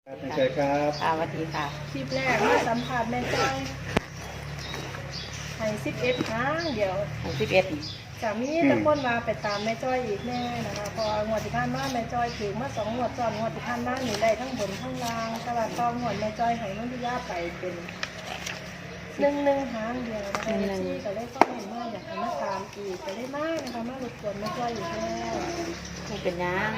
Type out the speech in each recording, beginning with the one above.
ไม่ใช่ครับสวัสดีค่ะคลิปแรกมาสัมผัสแม่จ้อยให้11 ครั้งเดี๋ยว 11 จะมีตะคนมาไปตามแม่จ้อยอีกแน่นะคะพองวดที่ผ่านมาแม่จ้อยถือมา2 งวดซ้อนงวดที่ผ่านมาหนูได้ทั้งบนทั้งล่างแต่ว่าตอนงวดแม่จ้อยให้น้องพิยาไปเป็น1 หางเดียวนะคะที่ก็ได้ต้องเห็นว่าอยากให้มาตามอีกก็ได้มากนะคะมารบกวนแม่จ้อยอีกแล้วไม่เป็นยัง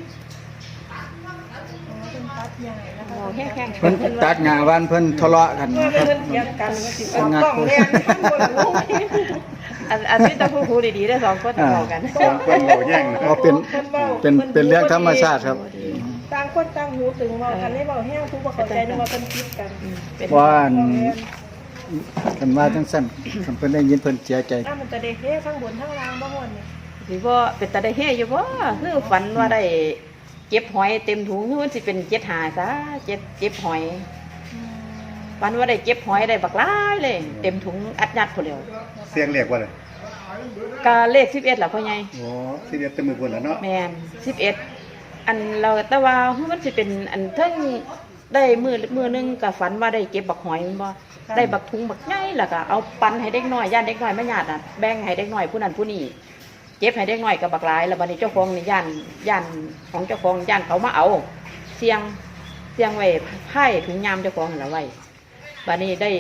เป็นตัดใหญ่นะคะโอ้แห้งๆเพิ่นตัดงานวันเพิ่นทะเลาะกันเมื่อครับเพิ่นเถียงกันว่าสิเอากล้องเรียนข้างบนลูกอันนี้ต้องพูดดีๆได้สองคนทะเลาะกันสองคนเบาแย่งนะเอาเป็นเรื่องธรรมชาติครับต่างคนต่างหูตึงเว่ากันได้เบาแห้งผู้บ่เข้าใจนึกว่าเพิ่นคิดกันว่ากันว่าจังซั่นคันเพิ่นได้ยินเพิ่นเสียใจมันจะได้เฮ้ทั้งบนทั้งล่างบ่ม่วนนี่สิบ่เป็นตาได้เฮอยู่บ่คือฝันว่าได้เก็บหอยเต็มถุงคือมันสิเป็น7 หาซะเก็บหอยฝันว่าได้เก็บหอยได้บักหลายเลยเต็มถุงอัดยัดพุ่นแล้วเสียงเรียกว่าอะไรก็เลข11ล่ะพ่อใหญ่โอ้สิเรียกแต่มือพุ่นแล้วเนาะแม่น11อันเราแต่ว่ามันสิเป็นอันเทิงได้มือนึงก็ฝันว่าได้เก็บบักหอยแม่นบ่ได้บักถุงบักใหญ่แล้วก็เอาปันให้เด็กน้อยย่านเด็กน้อยมาญาติน่ะแบ่งให้เด็กน้อยผู้นั้นผู้นี้เก็บให้เด็กน้อยกับบักหลายแล้วบัดนี้เจ้าของนี่ย่านของเจ้าของย่านเขามาเอาเสียงไว้ไผ่ถุงยามเจ้าของนั่นล่ะไว้บัดนี้ได้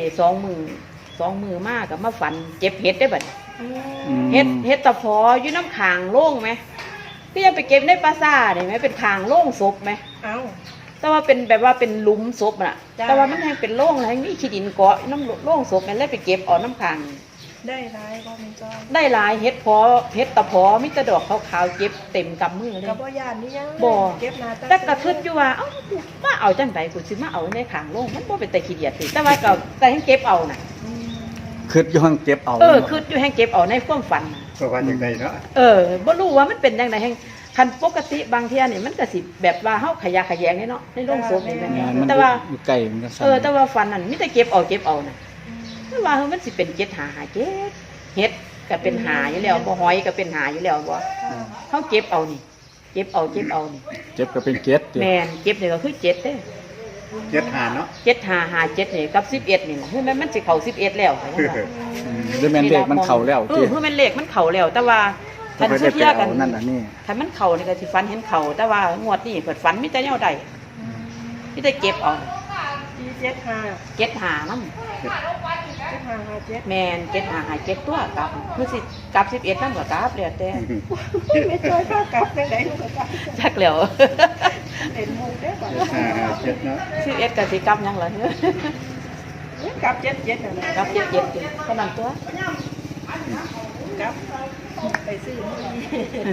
2 มือมากกับมาฝันเก็บเห็ดได้บัดเห็ดตะพออยู่น้ำขางโล่งไหมพี่ยังไปเก็บในปราสาทเห็นไหมเป็นขางโล่งศพไหมเอ้าแต่ว่าเป็นแบบว่าเป็นหลุมศพน่ะแต่ว่ามันยังเป็นโล่งอะไรมีขี้ดินเกาะน้ำโล่งศพมันเลยไปเก็บเอาน้ำขางได้ร้ายบ่แม่จ้อยได้หลายเห็ดตะพอมิตรดอกขาวๆเก็บเต็มกำมือเลยก็บ่ย่านนี่ยังบ่เก็บหน้าแต่กระทึดอยู่ว่าเอ้ากูมาเอาจังไดกูสิมาเอาในขางโล่งมันบ่เป็นแต่ขี้เดียดสิแต่ว่าก็แต่ให้เก็บเอาน่ะคิดอยู่ห้องเก็บเอาคืออยู่ให้เก็บเอาในความฝันน่ะเพราะว่าจังไดเนาะบ่รู้ว่ามันเป็นจังไดแห่งคันปกติบางเที่ยนี่มันก็สิแบบว่าเฮาขยะแขยงนี่เนาะในโรงศพนี่แม่นมันแต่ว่าอยู่ไกลมันก็สั่นแต่ว่าฝันนั่นมีแต่เก็บเอาน่ะแต่ว่ามันสิเป็น7 หาเฮ็ดก็เป็นหาอยู่แล้วบ่หอยก็เป็นหาอยู่แล้วบ่เฮาเก็บเอานี่เก็บเอานี่เจ็บก็เป็นเจ็ดแม่นเก็บนี่ก็คือ7เด้เจ็ดหาเนาะ 7 5 5 7นี่กับ11นี่ล่ะคือมันสิเข้า11แล้วค่ะว่าหรือแม่นเลขมันเข้าแล้วคือมันเลขมันเข้าแล้วแต่ว่าคันสุเทียกันนั่นอันนี้คันมันเข้านี่ก็สิฝันเห็นเข้าแต่ว่างวดนี้เพิ่นฝันมีแต่แนวใดมีแต่เก็บเอา 75 เก็บหานำ 7557 แม่น7 5 5 7ตัวกลับคือสิกลับ11นำก็กลับแล้วแต่แม่จ้อยพากลับจังได๋ลูกก็กลับจักแล้วเป็นหมู่เด้อบ่เจ็ดเนาะ 11ก็สิกลับหยังล่ะกลับ77นั่นน่ะกลับ77ติเท่านั้นตัวกลับไปซื้อมื้อนี้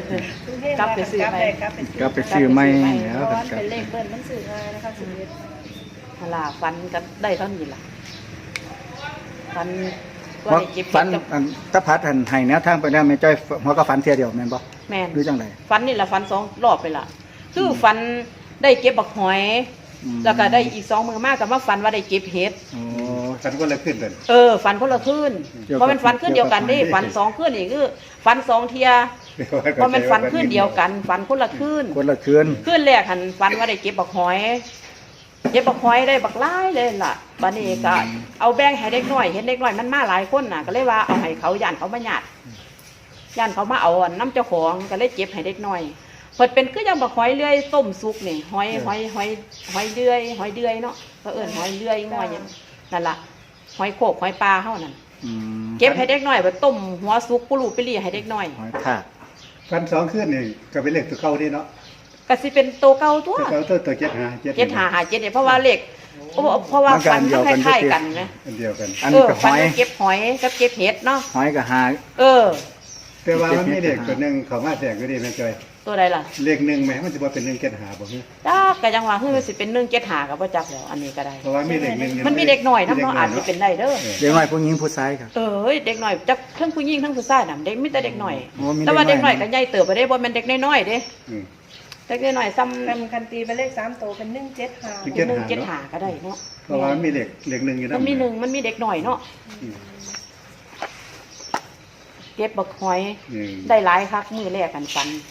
กลับไปซื้อไหมกลับไปซื้อก็ไปซื้อใหม่แล้วเพราะก็ว่าเป็นเลขเบิ้ลมันซื้อง่ายนะคะชีวิตหั่นล่ะฝันก็ได้เท่านี้ล่ะฝันว่าได้เก็บฝันเห็ดอันตะพัดหันให้แนวทางไปแล้วแม่จ้อยหัวก็ฝันเที่ยเดียวแม่นบ่แม่นหรือจังไดฝันนี่ละฝัน2 รอบไปละคือฝันได้เก็บบักหอย แล้วก็ได้อีก2 มือมากกับว่าฝันว่าได้เก็บเห็ดโอ้ฝันก็เลยขึ้นเดินฝันคนละคืนเกี่ยวกับเพราะมันฝันคืนเดียวกันเด้ฝัน2 คืนนี่คือฝัน2 เที่ยเพราะมันฝันคืนเดียวกันฝันคนละคืนคนละคืนคืนแรกหันฝันว่าได้เก็บบักหอยเก็บบักหอยได้บักหลายเลยล่ะบัดนี้ก็เอาแบ่งให้เด็กน้อยเห็นเด็กน้อยมันมาหลายคนน่ะก็เลยว่าเอาให้เขาย่านเขามาญาติย่านเขามาเอาน้ำเจ้าของก็เลยเก็บให้เด็กน้อยเพิ่นเป็นคือจังบักหอยเลื่อยต้มสุกนี่หอยเลื่อยเนาะก็เอิ้นหอยเลื่อยง่อยหยังนั่นล่ะหอยโขกหอยปลาเฮานั่นเก็บให้เด็กน้อยไปต้มหัวสุกปุรุไปรีให้เด็กน้อยหอยทากฟันสองขึ้นนี่ก็เป็นเลขตัวเก่านี่เนาะก็สิเป็นโตเก่าตัวตัวเก่าตัวเจ็ดหา 7 5 5 7เนี่ยเพราะว่าเลขเพราะว่าฟันมันคล้ายๆกันนะอันเดียวกันอันนี้ก็หฟันอยเก็บหอยกับเก็บเห็ดเนาะหอยก็หาแต่ว่ามันมีเลขตัวหนึ่งเขามาแทรกก็ดีแม่จอยตัวใดล่ะเลขหนึ่งไหมมันจะว่าเป็นหนึ่งเจ็ดหาบ่ฮึจ้าก็ยังว่าคือสิเป็น1 7 5กับบ่จักแล้วอันนี้ก็ได้เพราะว่ามีเลขหนึ่งมันมีเด็กหน่อยนำเนาะอาจสิเป็นได้เด้อเด็กน้อยผู้หญิงผู้ชายครับเด็กหน่อยจักทั้งผู้หญิงทั้งผู้ชายน่ะเด็กมีแต่เด็กหน่อยโอ้มีแต่ว่าเด็เด็กกน้หอน่อย ยก็ใหญ่เติบไปได้บ่แม่นเด็กน้อยๆเด้อืมเด็กน้อยๆซ้ำคันตีเป็นเลข3ตัวเป็น175 1 7 5ก็ได้เนาะเพราะว่ามันมีเลขหนึ่งอยู่มันมีหนึ่งมันมีเด็กหน่อยเนาะอืมเก็บบักหอยอืมได้หลายคักมื้อแรกกันฟัน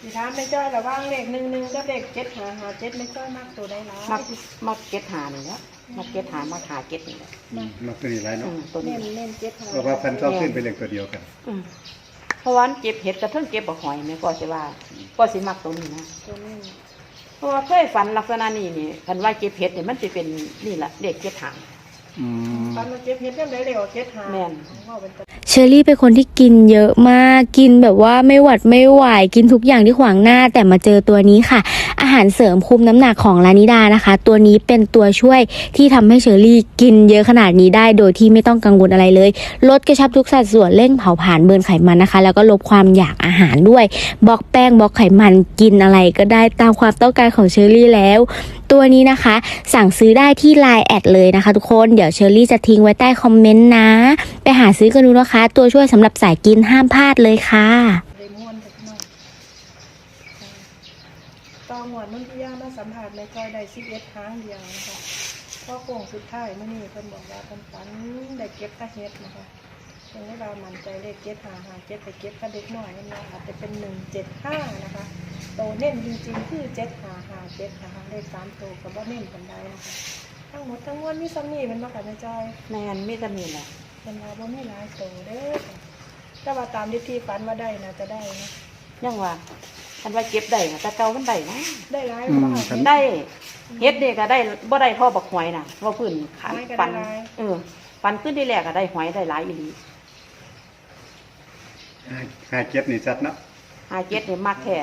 สิถามแม่จ้อยระหว่างเลข11กับเลข75557แม่จ้อยมักตัวใดหลายมักเก็ตหานี่แหละมักเก็ตหามาหาเก็ตนี่แหละมันตัวนี้หลายอืเนาะมตัวนี้เน้น755 เพราะว่าพันชอบขึ้นเป็นเลขตัวเดียวกันอืมเพราะว่าเก็บเห็ดกระเทิงเก็บบักหอยแม่ก็สิว่าก็สิมักตัวนี้นะตัวนี้เพราะว่าเคยฝันลักษณะนี้นี่คันว่าเก็บเห็ดเนี่ยมันจะเป็นนี่แหละเด็กเก็บถังอืมตอนมาเก็บเฮ็ดจังได๋เลยว่า755 แม่นว่าเป็นตัวเชอรี่เป็นคนที่กินเยอะมาก กินแบบว่าไม่หวัดไม่ไหว กินทุกอย่างที่ขวางหน้า แต่มาเจอตัวนี้ค่ะ อาหารเสริมคุมน้ำหนักของลานิดานะคะ ตัวนี้เป็นตัวช่วยที่ทำให้เชอรี่กินเยอะขนาดนี้ได้ โดยที่ไม่ต้องกังวลอะไรเลย ลดกระชับทุกสัดส่วนเร่งเผาผลาญเบิร์นไขมันนะคะ แล้วก็ลดความอยากอาหารด้วย บล็อกแป้งบล็อกไขมันกินอะไรก็ได้ตามความต้องการของเชอรี่แล้ว ตัวนี้นะคะ สั่งซื้อได้ที่ Line แอดเลยนะคะทุกคน เดี๋ยวเชอรี่จะทิ้งไว้ใต้คอมเมนต์นะ ไปหาซื้อกันดูนะคะ ตัวช่วยสำหรับสายกินห้ามพลาดเลยค่ะได้ม่วนเด็กน้อยต่อหมวดมันที่ย่ามาสัมผัสแม่จ้อยได้11ครั้งเดียวนะคะพอโค้งสุดท้ายมื้อนี้เพิ่นบอกว่าเพิ่นฝันได้เก็บตะเฮ็ดนะคะเพิ่นให้เรามั่นใจเลข755ไปเก็บกับเด็กน้อยนั่นเนาะอาจจะเป็น175นะคะโตเน้นจริงๆคือ755นะคะเลข3ตัวก็บ่เน้นปานใดนะคะทั้งหมดทั้งมวลมีซ้ำนี้มันบ่ค่ะแม่จ้อยแม่นมีแต่นี่แหละเป็นว่าบ่มีหลายโตเด้อค่ะแต่ว่าตามที่ฝันว่าได้นะจะได้นะยังว่าคันว่าเก็บได้นะแต่เก่ามันได้นะได้หลายอืบ่มค่ะคันได้เฮ็ดนี่ก็ได้บ่ได้พ่อบักหอยน่ะว่าพื้นขันหอยก็ได้ปันหลายปันขึ้นที่แรกก็ได้หอยได้หลายอีหลีหาเจ็บนี่ชัดเนาะหาเจ็ดนี่มักแท้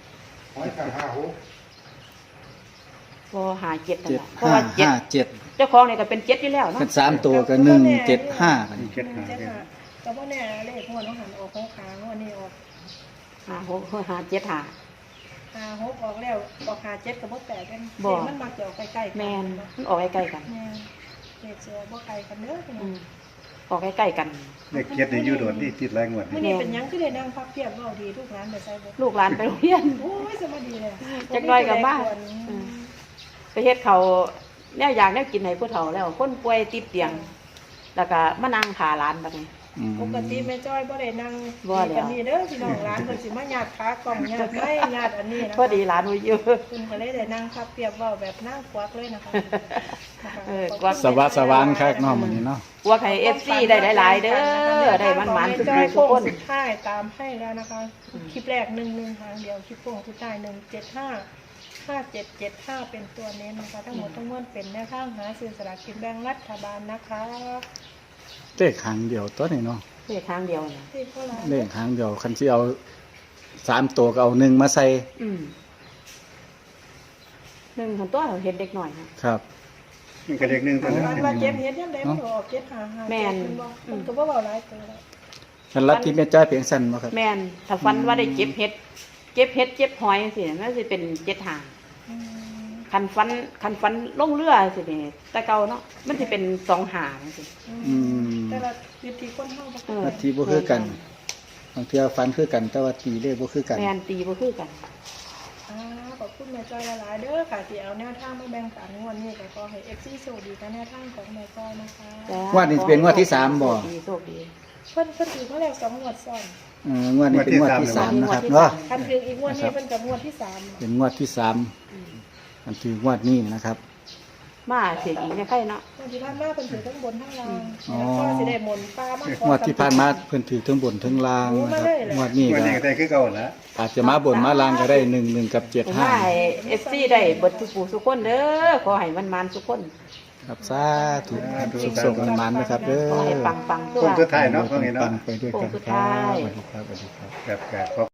บ่หาเจ็ดนั่นเจ็ดล่ะเพราะห้าว่าเจ็ดห้าเจ็ดเจ้าของนี่ก็เป็นเจ็ดอยู่แล้วเนาะเป็นสามตัวก็175กันเจ็ดหาแต่ว่าแน่เลขงวดของหันออกของค้างวดนี้ออกหาหกหาเจ็ดหา 56ออกแล้วออก57ก็บ่แตกกันบ่เลขมันมักจะออกใกล้ๆกันแม่นมันออกใกล้ๆกันแม่นเลขเสือบ่ไกลกันเด้อพี่น้อืองมออกใกล้ๆกันเลขเจ็ดนี่อยู่โดดนี่ติดหลายงวดมื้อนี่นี้เป็นหยังคือได้นั่งพักเพียบเว้าดีทุกร้านไปใส่บ่ลูกหลานไปโรงเรียนโอ้ยสวัสดีเลยจักหน่อยก็มา ไปเฮ็ดเขาวแนวอยากแนวกินให้ผู้เฒ่าแล้วคนป่วยติดเตียง แล้วก็มานั่งขาหลานแบบนี้อืมปกติแม่จ้อยบ่ได้นั่งบ่แล้วกันนี่เด้อพี่น้องร้านเพิ่นสิมาญาติขากล่องญาติไม้ญาติอันนี้นะพอดีหลานไว้เยอะเพิ่นก็เลยได้นั่งพับเปรียบเว้าแบบนั่งควักเลยนะคะนะคะกวักสวัสดิ์สวานคักเนาะมื้อนี้เนาะกลัวใคร FC ได้หลายๆเด้อได้มันๆทุกจ้อยทุกโค้งคนสุดท้ายตามให้แล้วนะคะ คลิปแรก11ทางเดียวคลิปโค้งสุดท้าย1755775เป็นตัวเน้นนะคะทั้งหมดทั้งมวลเป็นแนวทางหาซื้อสลากกินแบ่งรัฐบาลนะคะเลขหางเดียวตัวนี้เนาะเลขทางเดียวน่ะที่เขาร้านเลขหางเดียวคันสิเอา3ตัวก็เอา1มาใส่หนึ่งของตัวเราเห็นเด็กหน่อยครับครับมันก็เลขหนึ่งตัวนึงวันว่าเจ็บเฮ็ดยังไดมันออกเจ็บหาแม่นมันก็บ่เว้าหลายตัวแล้วคันลัทธิแม่จ้อยเพียงสั้นบ่ครับแม่นถ้าฟันว่าได้เก็บเห็ดเก็บหอยสิมันสิเป็นเจ็ดหางอืมคันฟันลงเรือสินี่แต่เก่าเนาะมันสิเป็นสองหางสิอืมแต่ละวิธีคนเฮาบ่เออลัทธิบ่คือกันบางเทื่อฟันคือกันแต่ว่าตีเลขบ่คือกันแม่นตีบ่คือกันขอบคุณแม่จ้อยหลายๆเด้อค่ะที่เอาแนวทางมาแบ่งปันงวดนี้ก็ขอให้ FC โชคดีกับแนวทางของแม่จ้อยนะคะจ้ะงวดนี้สิเป็นงวดที่สามบ่โชคดีโชคดีเพิ่นถือมาแล้ว2งวดซ้อนงวดนี้เป็นงวดที่สามนะครับเนาะคันถืออีกงวดนี้เพิ่นกับงวดที่3 เป็นงวดที่3อันคืองวดนี้นะครับมาเสียอีกเนี่ยใครเนาะงวดที่ผ่านมาเพิ่นถือทั้งบนทั้งล่างอ๋อแล้วก็สิได้หมุนปลามาของวดที่ผ่านมาเพิ่นถือทั้งบนทั้งล่างนะครับงวดนี้งวดก็นี้ก็ได้คือเก่าแล้วอาจจะมาบนมาล่างก็ได้1กับผมว่าให้ FC ได้เบิดทุกผู้ทุกคนเด้อขอให้มันๆทุกคน 75ครับสาธุสุขๆมันๆนะครับเด้อขอให้ปังๆโค้งสุดท้ายเนาะว่าไงปัเนาะงๆไปด้วยกันโค้งสุดครัท้ายบสวัสดีครับสวัสดีครับแบบ